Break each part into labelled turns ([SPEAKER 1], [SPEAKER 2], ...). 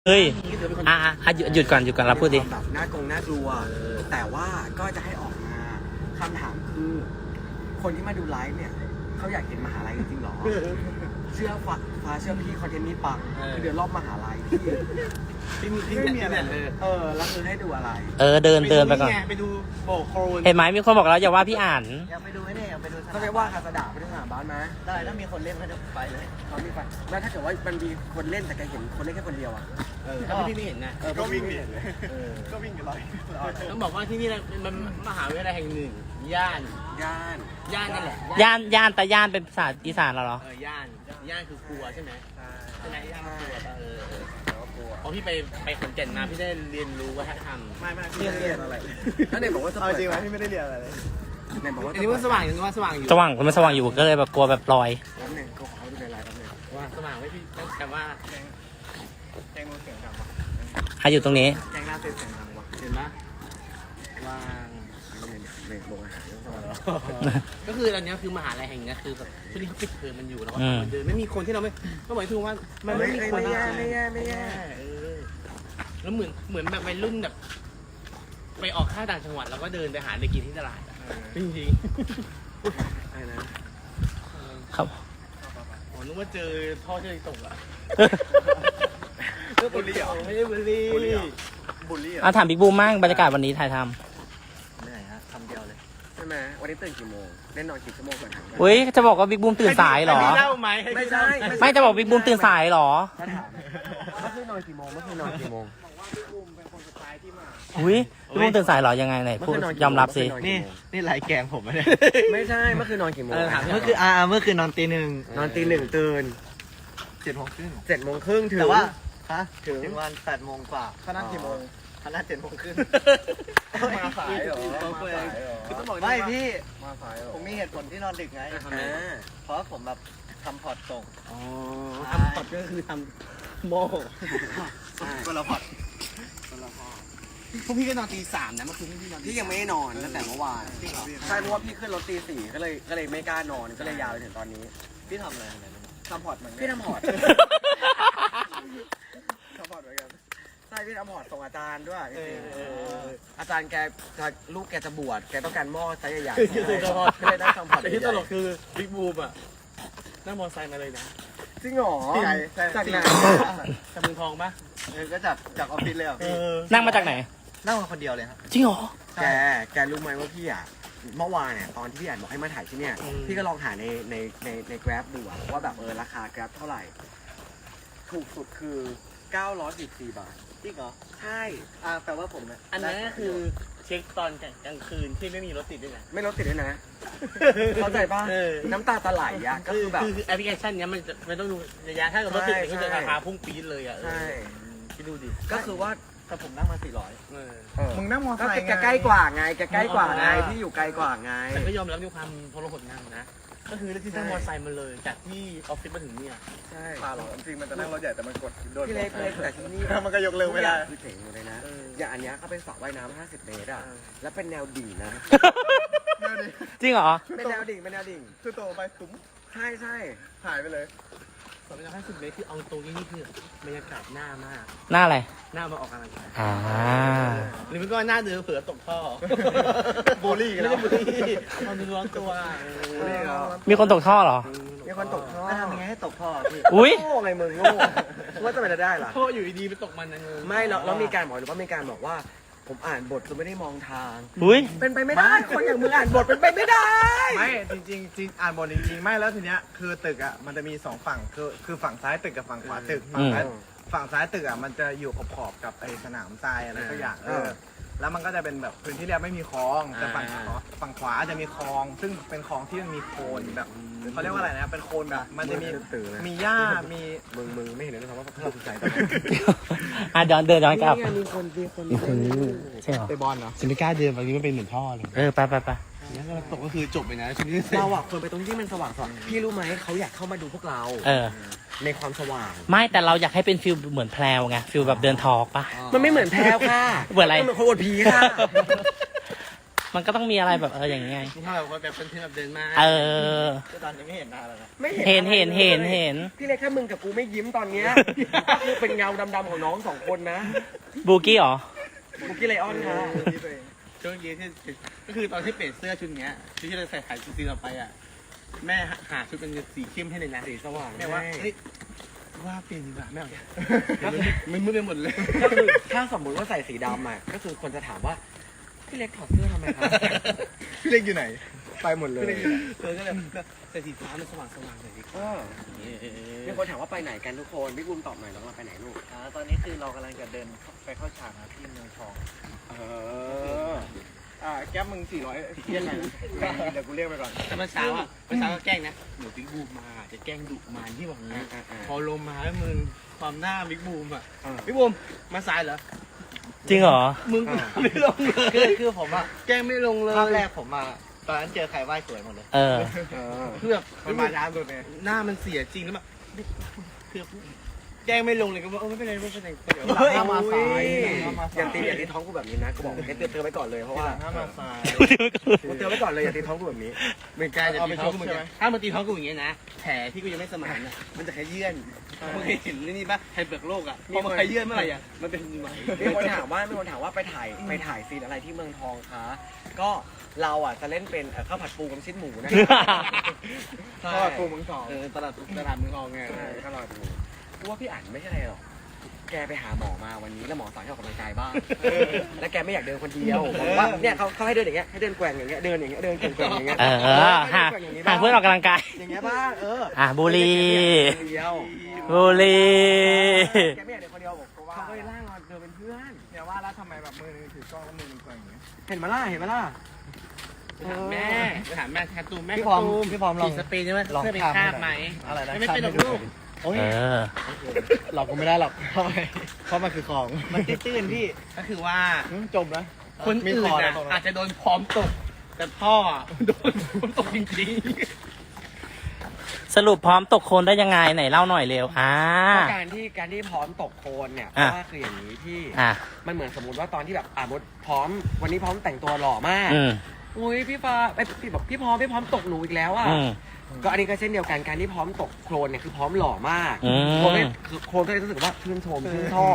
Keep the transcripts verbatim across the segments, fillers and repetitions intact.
[SPEAKER 1] เฮ้ยอ่ะอ่ะหยุดหยุดก่อนหยุดก่อนเราพูดดิ
[SPEAKER 2] แบบน่ากงน่ากลัวแต่ว่าก็จะให้ออกมาคำถามคือ คนที่มาดูไลฟ์เนี่ยเขาอยากเห็นมหาลัยจริงๆหรอ เชื่อฟ้าฟ้าเชื่อพี่คอนเทนต์นี้ปังคือเดินรอบมหาลัยที่ที่มีที่ไม่มีอะไรเลยเออแล้วคือให้ดูอะไร
[SPEAKER 1] เออเดินเดินไปก่อน
[SPEAKER 3] ไปดูโบกโครน
[SPEAKER 1] เห็นไหมมีคนบอกแล้วอย่าว่าพี่อ่าน
[SPEAKER 3] อยากไปดูไอ้นี่อยากไปดู
[SPEAKER 2] เขาเรียกว่าคาสดาไปที่สนามบ้านไหม
[SPEAKER 3] ได้ถ้ามีคนเล่นก็จะไปเลย
[SPEAKER 2] เขามีไฟแล้วถ้าเกิดว่ามันมีคนเล่นแต่แกเห็นคนเล่นแค่คนเดียวอ่ะ
[SPEAKER 3] ถ้าพี่ไม่เห็นนะ
[SPEAKER 2] เออก็วิ่งเลยเออ
[SPEAKER 3] ก็วิ่งกันร้อยต้องบอกว่าที่นี่มันมหาวิทยาลัยแห่งหนึ่งย่าน
[SPEAKER 2] ย่าน
[SPEAKER 3] ย่านนั่นแหละ
[SPEAKER 1] ย่านย่านแต่ย่านเป็นภาษาอีสานเหรอ
[SPEAKER 3] เออย่านย่านคือกลัวใช่ไหมใช่ไหมย่านคือกลัวเออ
[SPEAKER 2] แล้วกลัว
[SPEAKER 3] พอพี่ไปไปขอนแก่นมาพี่ได้เรียนรู้วัฒนธรรม
[SPEAKER 2] ไม่ไม่พี่เรียนอะไรแล้วไหนบอกว่าจะ
[SPEAKER 4] เอา
[SPEAKER 2] เปิด
[SPEAKER 4] จริงไหมพี่ไม่ได้เรียนอะไรเลย
[SPEAKER 2] ไหนบอกว่า
[SPEAKER 3] อันนี้มันสว่างยังว่าสว่างอยู่
[SPEAKER 1] สว่างมันสว่างอยู่ก็เลยแบบกลัวแบบลอย
[SPEAKER 2] แป๊บหนึงก็ขอดูในไลน์แป๊บหนึง
[SPEAKER 3] ว่าสว่างไว้พี่แต่ว่า
[SPEAKER 4] แกงมือเสียงดังวะ
[SPEAKER 1] ให้อยู่ตรงนี้
[SPEAKER 2] แกงหน้าเต้นเสียงดังวะ
[SPEAKER 3] เห็นปะว่าง
[SPEAKER 2] ในโรงอาหารต้องสวัสดี
[SPEAKER 3] ก็คืออันนี้คือมหาลัยแห่งนี้คือแบบช่วงนี้เขาปิดเทอมมันอยู่แล้วก็
[SPEAKER 1] อืม
[SPEAKER 3] เดินไม่มีคนที่เราไม่ก็หมายถึงว่ามันไม่มีคน
[SPEAKER 2] ไม่แย่ไม่แย่ไม่แย่
[SPEAKER 3] เออแล้วเหมือนเหมือนแบบวัยรุ่นแบบ ไปออกข้าวต่างจังหวัดแล้วก็เดินไปหาอะไรกินที่ตลาดอะจริงจริง
[SPEAKER 2] ไอ้นะ
[SPEAKER 1] ครับ
[SPEAKER 3] ๆอ๋อนึกว่าเจอท่อเจอตกอะ
[SPEAKER 4] บุลลี่เหรอ
[SPEAKER 3] ไม่ได้บุลลี่
[SPEAKER 4] บุลลี่เหรอ บุลลี่เหรอ
[SPEAKER 1] อ่ะถามบิ๊กบูมมั่งบรรยากาศวันนี้ถ่ายท
[SPEAKER 4] เหนื่อยฮะคำเดียวเลย
[SPEAKER 2] ใช่ไหมวันนี้ตื่นกี่โมงเล่นนอนกี่ชั่วโมงก่อนถาม
[SPEAKER 1] ำเฮ้ยจะบอกว่าบิ๊กบูมตื่นสายเหรอ
[SPEAKER 3] ให้พี่เล่าไหมให้
[SPEAKER 2] ไม่
[SPEAKER 3] พี่
[SPEAKER 2] ใช่
[SPEAKER 3] เล่า
[SPEAKER 1] ไม่จะบอกบิ๊กบูมตื่นสายเหรอ
[SPEAKER 2] ถ้าถามเมื่อคืนนอนกี่โมงเมื่อคืนนอนกี่โมง
[SPEAKER 1] อุ้ยบิ๊กบูมตื่นสายเหรอยังไงไหนพูดยอมรับสิ
[SPEAKER 4] นี่นี่ไรแกงผมอะเนี่ย
[SPEAKER 2] ไม่ใช่เมื่อคืนนอนกี่โมง
[SPEAKER 3] เออถาม
[SPEAKER 4] เมื่อคืนอ่าเมื่อคืนนอนตีหนึ่ง
[SPEAKER 2] นอนตีหนึ่งตื่น
[SPEAKER 4] เจ็ดโมงครึ่ง
[SPEAKER 2] เจ็ดโมงครึ่งถึง
[SPEAKER 4] แต่ว่าฮะ
[SPEAKER 2] ถึง
[SPEAKER 4] ถึงวันแปดโมงกว่าเขานัดกี่โมงเขานัดเจ็ดโมงครึ่ง
[SPEAKER 2] มาสายเหรอ
[SPEAKER 4] คือต้องบอกไม่พี่
[SPEAKER 2] มาสายเหรอ
[SPEAKER 4] ผมมีเหตุผลที่นอนดึกไง
[SPEAKER 2] อ่า
[SPEAKER 4] เพราะผมแบบทำพอร์ตส่ง
[SPEAKER 3] อ๋อทำพอดก็คือทำโม่
[SPEAKER 4] คนละพอร์ต
[SPEAKER 3] พวกพี่ก็นอนตีสามนะเมื่อคืนพี่นอน
[SPEAKER 2] พี่ยังไม่ได้นอนตั้งแต่เมื่อวานใช่เพราะว่าพี่ขึ้นรถตีสี่ก็เลยก็เลยไม่กล้านอนก็เลยยาวไปถึงตอนนี้
[SPEAKER 4] พี่ทำอะไรอะไรทำพอร์ตเหมือน
[SPEAKER 2] พี่ทำพอร์ต ทำพอร์ตเหมือนกันใช่พี่ทำพอร์ตส่งอาจารย์ด้วยอาจารย์แกจะลูกแกจะบวชแกต้องการหม้อไซส์ใหญ่ๆ
[SPEAKER 3] คือคือพอด
[SPEAKER 2] ก็เลยได้ทำพอร์ต
[SPEAKER 3] แต่ที่ตลกคือบิ๊กบูมอ่ะนั่งมอเตอร์ไซค์มาเลยนะ
[SPEAKER 2] จริงเหรอจากไหน
[SPEAKER 3] จากเมืองทองปะ
[SPEAKER 4] เออก็จากจากออฟฟิศเลยอ่ะ
[SPEAKER 3] เอ
[SPEAKER 4] พี่
[SPEAKER 3] อ
[SPEAKER 1] นั่งมาจากไหน
[SPEAKER 4] นั่งมาคนเดียวเลยครับ
[SPEAKER 1] จริงเหรอ
[SPEAKER 2] แกแกรู้ไหมว่าพี่อ่ะเมื่อวานเนี่ยตอนที่พี่อ่านบอกให้มาถ่ายที่เนี่ยพี่ก็ลองหาในในในใน Grab ดูอะว่าแบบเออราคา Grab เท่าไหร่ ถูกสุดคือเก้าร้อยสิบสี่บาท
[SPEAKER 4] จริงเหรอ
[SPEAKER 2] ใช่
[SPEAKER 4] อ่าแปลว่าผมเนี่ย
[SPEAKER 3] อันนั้นก็คือเช็คตอนกลางคืนที่ไม่มีรถติดด้วยนะ
[SPEAKER 2] ไม่รถติดด้วยนะ เข้าใจป่ะ
[SPEAKER 3] เออ
[SPEAKER 2] น้ำตาตะไหลอ่ะก็คือแบบ
[SPEAKER 3] คือแอปพลิเคชันเนี้ยมันจะมันต้องดูระยะถ้าเกิดรถติดมันก็จะ
[SPEAKER 2] ใช่
[SPEAKER 3] ราคาพุ่งปี๊ดเลยอ่ะ
[SPEAKER 2] ใช่
[SPEAKER 3] คิดดูดิ
[SPEAKER 2] ก็คือว่า
[SPEAKER 4] แต่ผมนั่งมาสี่ร้อย
[SPEAKER 3] เออ
[SPEAKER 4] มึงนั่งมอ
[SPEAKER 2] ก็
[SPEAKER 4] ไซค์
[SPEAKER 2] แกใกล้กว่าไงแกใกล้กว่าไงพี่อยู่ไกลกว่าไง
[SPEAKER 3] แต่ก็ยอมรับในความทรหดนั่งนะก็คือเลือกที่นั่งมอเตอร์ไซค์มาเลยจากที่ออฟฟิศมาถึงเนี่ย
[SPEAKER 2] ใช่
[SPEAKER 4] พาหรอจริงมันจะนั่งรถใหญ่แต่มันกดโดน
[SPEAKER 2] พี่เล็กพี่เล็กแต่ที่นี่
[SPEAKER 4] มันก็ยกเร็วไม่ได้
[SPEAKER 2] คือเจ๋งหมดเลยนะ
[SPEAKER 3] เออ
[SPEAKER 2] อย่างอันเนี้ยเขาเป็นสระว่ายน้ำห้าสิบเมตรอ่ะ
[SPEAKER 3] เออ
[SPEAKER 2] แล้วเป็นแนวดิ่งนะ
[SPEAKER 1] จริงเหรอ
[SPEAKER 2] เป็นแนวดิ่งเป็นแนวดิ่ง
[SPEAKER 4] คือโตไปตุ้ม
[SPEAKER 2] ใช่ใช่
[SPEAKER 4] หายไปเลย
[SPEAKER 3] สองร้อยห้าสิบเมตรคือเอาตรงนี้นี่คือบรรยากาศหน้ามาก
[SPEAKER 1] หน้าอะไร
[SPEAKER 3] หน้ามาออกกำลังกาย
[SPEAKER 1] อ่า
[SPEAKER 3] หรือมันก็หน้าเดือเผื่อตกท่อ
[SPEAKER 4] บูลลี่กัน
[SPEAKER 3] ไม่
[SPEAKER 4] แล้
[SPEAKER 3] ได้
[SPEAKER 4] ว
[SPEAKER 3] บุรีเอาดูร้อนตัว
[SPEAKER 2] นี่เหรอ
[SPEAKER 1] มีคนตกท่อเหรอ
[SPEAKER 2] มีคนตกท่อ
[SPEAKER 4] แล้วทำยังไงให้ตกพ่อพี่
[SPEAKER 1] อุ้ย
[SPEAKER 2] โง่ไงมึงโง่ว่าจะไปได้ล่ะ
[SPEAKER 3] ท่ออยู่ดีๆไปตกมันนะเง
[SPEAKER 2] ไม่เราเรามีการบอกหรือว่ามีการบอกว่า ผมอ่านบทจนไม่ได้มองทาง
[SPEAKER 1] อุ้ย
[SPEAKER 2] เป็นไปไม่ได้ คนอย่างมึงอ่านบทเป็นไปไม่ได้
[SPEAKER 4] ไม่จริงจริงจริงอ่านบทจริงๆไม่แล้วทีเนี้ยคือตึกอ่ะมันจะมีสองฝั่งคือคือฝั่งซ้ายตึกกับฝั่งขวาตึกฝั่งซ้ายฝั่งซ้ายตึกอ่ะมันจะอยู่ขอบๆกับไอ้สนามทรายอะไรสักอย่างเออแล้วมันก็จะเป็นแบบพื้นที่เรียบไม่มีคลองแต่ฝั่งขวาฝั่งขวาจะมีคลอง ซึ่งเป็นคลองที่มันมีโคลนแบบเขาเรียกว่าอะไรนะเป็นโคลนแบบมันจะมีมีหญ้ามี
[SPEAKER 2] มึงมึงไม่เห็นเลยนะครับว่าพวกเราสนใจตอนนี้
[SPEAKER 1] อ่ะเดินเดินย้อนกลับ
[SPEAKER 2] นี่ไงมีคนมีคน
[SPEAKER 1] ใช่เหรอ
[SPEAKER 4] ไปบอลเนาะ
[SPEAKER 3] ฉันไม่กล้าเดินบางทีมันเป็นเหมือนท่อเลย
[SPEAKER 1] เออไปไปไป
[SPEAKER 3] แล้วก็ตกก็คือจบไปนะชีวิต
[SPEAKER 2] เราอ่ะควรไปตรงที่มันสว่างสว่างพี่รู้ไหมเขาอยากเข้ามาดูพวกเรา
[SPEAKER 1] เออ
[SPEAKER 2] ในความสว่าง
[SPEAKER 1] ไม่แต่เราอยากให้เป็นฟิลเหมือนแพลวไงฟิลแบบเดินทอล์กปะ
[SPEAKER 2] มันไม่เหมือนแพรวค่ะ
[SPEAKER 1] เหมือนอะไร
[SPEAKER 2] มันเหมือนคนอวดผีค่ะ
[SPEAKER 1] มันก็ต้องมีอะไรแบบเอออย่างเงี้ย
[SPEAKER 3] นี่ถ้าแบบว่าแบบคนที่แบบเดินมา
[SPEAKER 1] เออ
[SPEAKER 4] ตอนนี้ไม่เห็นหน้าแล้วนะ
[SPEAKER 2] ไม่เห็น
[SPEAKER 1] เห็นเห็น
[SPEAKER 2] อะไร
[SPEAKER 1] เห็น
[SPEAKER 2] ลย
[SPEAKER 1] เห็น
[SPEAKER 2] พี่เล็กถ้ามึงกับกูไม่ยิ้มตอนเนี้ยคือเป็นเงาดำๆของน้องสองคนนะ
[SPEAKER 1] บูกี้เหรอ
[SPEAKER 2] บุกี้ไลออนค่ะ
[SPEAKER 3] ช่วงเย็นที่ก็คือตอนที่เปลี่ยนเสื้อชุดเนี้ยชุดที่เราใส่ถ่ายซีนต่อไปอ่ะแม่หาชุดเป็นสีเข้มให้เลยนะ
[SPEAKER 2] สีสว่าง
[SPEAKER 3] แม่ว่าเฮ้ยว่าเปลี่ยนดีกว่าแม่เอามันมืดไปหมดเลย
[SPEAKER 2] ก็คือถ้าสมมติว่าใส่สีดำอ่ะก็คือคนจะถามว่าพี่เล็กถอดเสื้อทำไมครับ
[SPEAKER 4] พี่เล็กอยู่ไหน ไปหมดเลย
[SPEAKER 3] เออก็เลยใส่สีฟ้ามันสว่างสว่างหน่อยดิ
[SPEAKER 2] เออมีคนถามว่าไปไหนกันทุกคนพี่บูมตอบหน่อยน้องเราไปไหนลูก
[SPEAKER 4] อ่าตอนนี้คือเรากำลังจะเดินไปเข้าฉากนะที่เมืองทอง
[SPEAKER 2] เออ
[SPEAKER 4] อ่าแก๊ปมึงสี่ร้อยเรียกไงนะเดี๋ยวกูเรียกไปก่อน
[SPEAKER 3] แต่เมื่อเช้าอ่ะเมื่อเช้าก็แกล้งนะหนูบิ๊กบูมมาจะแกล้งดุมาที่บอกงี้พอลงมาแล้วมึงความหน้าบิ๊กบูมอ่ะบิ๊กบูมมาสายเหรอ
[SPEAKER 1] จริงเหรอ
[SPEAKER 3] มึงไม่ลงเลย
[SPEAKER 4] คือคือผมอะ
[SPEAKER 3] แกล้งไม่ลงเลย
[SPEAKER 4] ภาพแรกผมอะตอนนั้นเจอใครไหว้สวยหมดเลย
[SPEAKER 1] เออ
[SPEAKER 2] เออ
[SPEAKER 3] คือแบบ
[SPEAKER 4] มันมาช้าสุดเลย
[SPEAKER 3] หน้ามันเสียจริงแล้วแบบคือแกล้งไม่ลงเลยก็ว่าเออไม่เป็นไรไม่เป็นไรเดี๋ยว
[SPEAKER 4] เฮ้ยมาสาย
[SPEAKER 2] อย่าตีอย่าตีท้องกูแบบนี้นะกูบอกให้เตือนเตือนไว้ก่อนเลยเพราะว่า
[SPEAKER 4] หน้ามาสาย
[SPEAKER 2] กูเตือนไว้ก่อนเลยอย่าตีท้องกูแบบนี้
[SPEAKER 3] เหมือนกันจะ
[SPEAKER 4] เอา
[SPEAKER 3] ตี
[SPEAKER 4] ไป
[SPEAKER 3] ท้อง
[SPEAKER 4] ชก
[SPEAKER 3] กูเหมือน
[SPEAKER 4] ใช่
[SPEAKER 3] กั
[SPEAKER 4] ไหม
[SPEAKER 3] นถ้ามันตีท้องกูอย่างเงี้ยนะแผลที่กูยังไม่สมานอ่ะมันจะขยื่นมึงเคยเห็นนี่ป่ะไฮเปลือกโลกอ่ะพอมันขยื่นเมื่อไหร่อ่ะมันเป็นไหม
[SPEAKER 2] มีคนถามว่ามีคนถามว่าไปถ่ายไปถ่ายซีนอะไรที่เมืองทองคะก็เราอ่ะจะเล่นเป็นเอ่อข้าวผัดปูกับชิ้นหมูนะ
[SPEAKER 3] ใช่
[SPEAKER 4] ก็กูมึงสอง
[SPEAKER 3] เออตลาดตลาดเมืองทองไง
[SPEAKER 2] ใช่ข้าวผัดปูกูว่าพี่อ่านไม่ใช่อะไรหรอกแกไปหาหมอมาวันนี้แล้วหมอสั่งให้ออกกำลังกายบ้างแล้วแกไม่อยากเดินคนเดียวบอกว่าเนี่ยเขาเขาให้เดินอย่างเงี้ยให้เดินแกว่งอย่างเงี้ยเดินอย่างเงี้ยเดินแกว่งๆอย่างเงี้ย
[SPEAKER 1] เออเออหาหาเพื่อนออกกำลังกาย
[SPEAKER 2] อย่างเงี้ยบ้างเออ
[SPEAKER 1] อ่ะบุรี
[SPEAKER 2] คนเดียว
[SPEAKER 1] บุรี
[SPEAKER 2] แกไม่อยากเดินคนเดียวบอกเขาว่าเขาก็เลยล่างเราเดินเป็นเพื่อน
[SPEAKER 4] อย่าว่าแล้วทำไมแบบมือนึงถือกล้องแล้วมือนึงก่อนอย่างเงี้ย
[SPEAKER 2] เห็นไหมล่ะเห็นไหมล่ะ
[SPEAKER 3] ไปถามแม่ไปถามแม่แทตูมแม่
[SPEAKER 4] พี่พร้อม
[SPEAKER 3] แทตู
[SPEAKER 4] พี่พร้อมลอง
[SPEAKER 3] ฉีดสเปรย์ใช่ไหม
[SPEAKER 4] ลอง
[SPEAKER 3] เพื่อเป็น
[SPEAKER 4] ทำ
[SPEAKER 3] คราบไหม
[SPEAKER 4] อะไรนะ
[SPEAKER 3] ไม่เป็นหรอกลูก
[SPEAKER 4] โอ้ย
[SPEAKER 1] เออ
[SPEAKER 4] หลอกกูไม่ได้หรอกเพราะเพราะมันคือของ มันตื้นๆพี่
[SPEAKER 3] ก็คือว่า
[SPEAKER 4] อืมจมนะ
[SPEAKER 3] คน
[SPEAKER 4] มี
[SPEAKER 3] อื่
[SPEAKER 4] คน อ
[SPEAKER 3] น่ะ
[SPEAKER 4] ตรง
[SPEAKER 3] อาจจะโดนพร้อมตก แต่พ่ออะโดนพร้อมตกจริง
[SPEAKER 1] สรุปพร้อมตกโคลนได้ยังไงไหนเล่าหน่อยเร็ว อ่า
[SPEAKER 2] การที่การที่พร้อมตกโคลนเนี่ยเพ
[SPEAKER 1] อ่ะ
[SPEAKER 2] ราะว่าคืออย่างนี้ที่
[SPEAKER 1] อ่ะ
[SPEAKER 2] มันเหมือนสมมติว่าตอนที่แบบอ่ะมดพร้อมวันนี้พร้อมแต่งตัวหล่อมาก
[SPEAKER 1] อืม
[SPEAKER 2] อุ้ยพี่ฟ้าไอยพี่บอกพี่พร้อมพี่พร้อมตกหนูอีกแล้วอ่ะ
[SPEAKER 1] อืม
[SPEAKER 2] ก็อันนี้ก็เช่นเดียวกันการที่พร้อมตกโคลนเนี่ยคือพร้อมหล่อมาก
[SPEAKER 1] อืม
[SPEAKER 2] โคลนไม่คือโคลนก็เลยรู้สึกว่าชื่นชมชื่นชอบ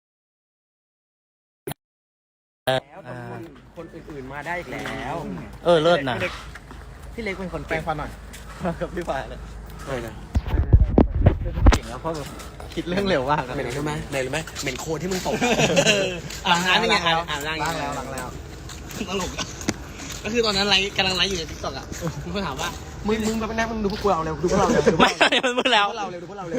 [SPEAKER 1] เออ
[SPEAKER 2] แล้วแต่คนคนอื่นๆมาได้อีกแล้ว
[SPEAKER 1] เออเลิศนะ
[SPEAKER 2] พี่เล็กเป็นคน
[SPEAKER 4] แปล
[SPEAKER 2] เก่
[SPEAKER 4] ง
[SPEAKER 2] ง
[SPEAKER 4] ฟันหน่อยกับพี่ฝ่ายเลย
[SPEAKER 2] เลยนะ
[SPEAKER 4] เก่งแล้วเพราะแบบคิดเรื่องเร็วมาก
[SPEAKER 2] เหม็นรู้ไหมเหม็นรู้ไหมเหม็นโคลนที่มึงตก
[SPEAKER 3] ๆล้างน้ำยังไงอ่ะอ่ะล้าง
[SPEAKER 4] ล้างแล้วล้างแล้ว
[SPEAKER 3] ตลกอะก็คือตอนนั้นไลฟ์กำลังไลฟ์อยู่ในทิกตอกอ่ะมีคนถามว่า
[SPEAKER 2] มึงมึงแบบนั่งมึงดูพวกเราเร็วดูพวกเราเร็วดูพวก
[SPEAKER 1] ไม่
[SPEAKER 2] เรา
[SPEAKER 1] มันมืดแล้ว
[SPEAKER 2] เร็วดูพวกเราเร็ว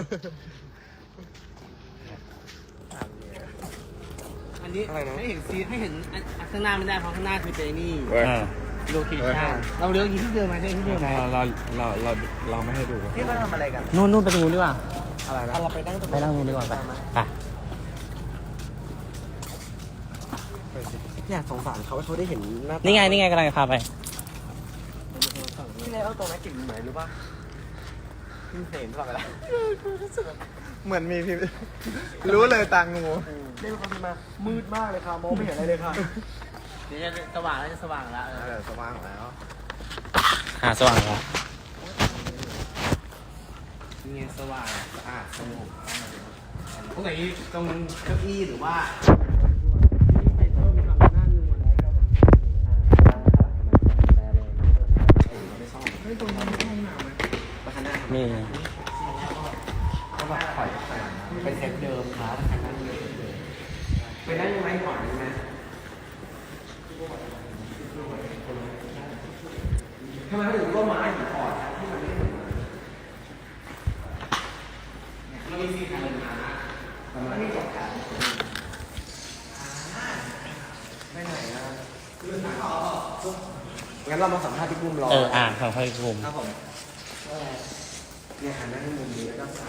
[SPEAKER 3] อันนี้
[SPEAKER 2] อะไรนะ
[SPEAKER 3] ให้เห็นซีให้เห็นอันอันข้างหน้าไม่ได้เพราะข้างหน้าคือเป็นนี่
[SPEAKER 1] อ่า
[SPEAKER 3] โลเคชั่นเราเลี้ยวที่เดิมมาใช่ที่เดิมไหม
[SPEAKER 4] เราเราเราเราไม่ให้ดู
[SPEAKER 2] นี่มาทำอะไรกัน
[SPEAKER 1] นู่นนู่นไปตรงนู้นดีกว่า
[SPEAKER 4] อะไรนะ
[SPEAKER 2] เราไปนั่งตรง
[SPEAKER 1] ไปนั่งนู้นดีกว่าไปไป
[SPEAKER 2] อยากสงสารเขาให้เขาได้เห็นหน้า
[SPEAKER 1] นี่
[SPEAKER 2] นี่
[SPEAKER 1] ไงนี่ไงกำลังจะพาไป
[SPEAKER 2] พี่เล็กเอาตรงนั้นกลิ่นเหมือนหรือเปล่าพี่เห็นตลอดเวลา
[SPEAKER 4] เหมือนมีพี่รู้เลยตางู
[SPEAKER 2] เล่นความมามืดมากเลยค่ะมองไม่เห็นอะไรเลยค่ะ
[SPEAKER 3] เดี๋ยวจะสว่างแล้วจะสว่างแล้วเอ
[SPEAKER 4] เอ
[SPEAKER 3] อ
[SPEAKER 4] อสว่างแล้ว
[SPEAKER 1] หาสว่างแล้ว
[SPEAKER 3] นี่ไงสว่างสะอาดสงบตรงไหนตรงเก้าอี้หรือว่า
[SPEAKER 1] มี
[SPEAKER 2] ก็แบบถอยเป็นเซตเดิมครับไปนั่งยังไงก่อนนะทำไมถึงก็ไม้ถึงก่อนที่มันไม่เหมือน
[SPEAKER 3] เรามีซีนอะไรมา
[SPEAKER 2] มันไม่จบกันไม่ไหนนะงั้นเรามาสัมภาษณ์พี่ปุ้มรอ
[SPEAKER 1] เอออ่านของพายภูมิ
[SPEAKER 2] ครับผมเนี่ยหันหน้าที่มุมนี้แล้วก็สับ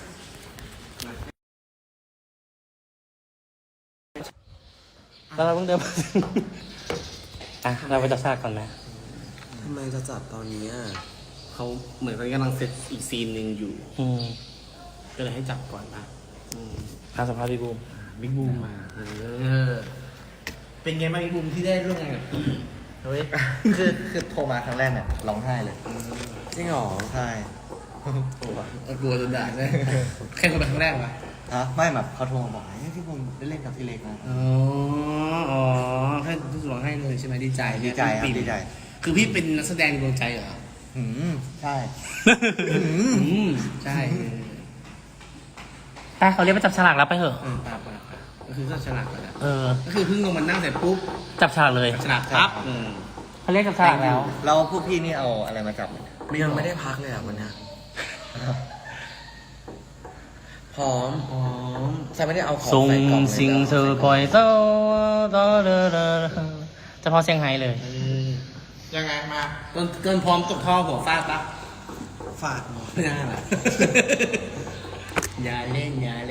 [SPEAKER 1] แล้วเราเพิ่งเดินมา อ่ะเราไปจับฉากก่อนนะ
[SPEAKER 2] ทำไมจะจับตอนนี้อ่ะ
[SPEAKER 3] เขาเหมือนตอนนี้กำลังเซตอีกซีนหนึ่งอยู่
[SPEAKER 1] อืม
[SPEAKER 3] ก็เลยให้จับก่อนนะอืม
[SPEAKER 1] พาสัมภาษณ์พี่ภูมิ
[SPEAKER 3] บิ๊กบูมมาเออเป็นไงบ้างบิ๊กบูมที่ได้ร่วมงานกับพี่
[SPEAKER 4] เฮ้ยคือคือโทรมาครั้งแรกเนี่ยร้องไห้เลย
[SPEAKER 2] จริงเหรอ
[SPEAKER 4] ใช่
[SPEAKER 3] กลัวจนด่าเลยแค่คนเป็นครั้งแรกวะ
[SPEAKER 4] ฮะไม่แบบเขาโทรมาบอกเฮ้ยพี่ผมได้เล่นกับพี่เล็กนะ
[SPEAKER 3] อ๋ออ๋อแค่รู้สึกร้องไห้เลยใช่ไหมดีใจ
[SPEAKER 4] ดีใจครับดีใจ
[SPEAKER 3] คือพี่เป็นนักแสดงดวงใจเหรอ
[SPEAKER 4] หืมใช่
[SPEAKER 3] อืมใช่
[SPEAKER 1] ไปเขาเรียกไปจับฉลากแล้วไปเถอะ
[SPEAKER 3] เออป่าป่าป่าก็คือก็ฉลาดแล้ว
[SPEAKER 1] เออ
[SPEAKER 3] ก็คือเพิ่งลงมานั่งเสร็จปุ๊บ
[SPEAKER 1] จับฉลากเลย
[SPEAKER 3] ฉลาดปั๊บอืม
[SPEAKER 1] เขาเรียกจับฉลากแล้ว
[SPEAKER 4] แล้วพวกพี่นี่เอาอะไรมาจับเนี่ย
[SPEAKER 2] ยังไม่ได้พักเลยอ่ะวันเนี้ยพร้อม
[SPEAKER 3] อ๋อ
[SPEAKER 2] ใส่ไม่ได้เอาของ
[SPEAKER 1] ทรง
[SPEAKER 2] ใส่กล่องเลย
[SPEAKER 1] สิงเธอปล่อยเต้าเต้าเด้อเด้อเฉพาะเซี่ยงไฮ้เลย
[SPEAKER 3] เออ
[SPEAKER 4] ยังไงมา
[SPEAKER 3] เกินเกินพร้อมตกท่อหัวฟาดปั๊บ
[SPEAKER 4] ฝาก
[SPEAKER 3] ไม่น่าล่ะ อย่าเล่นอย่าเล่น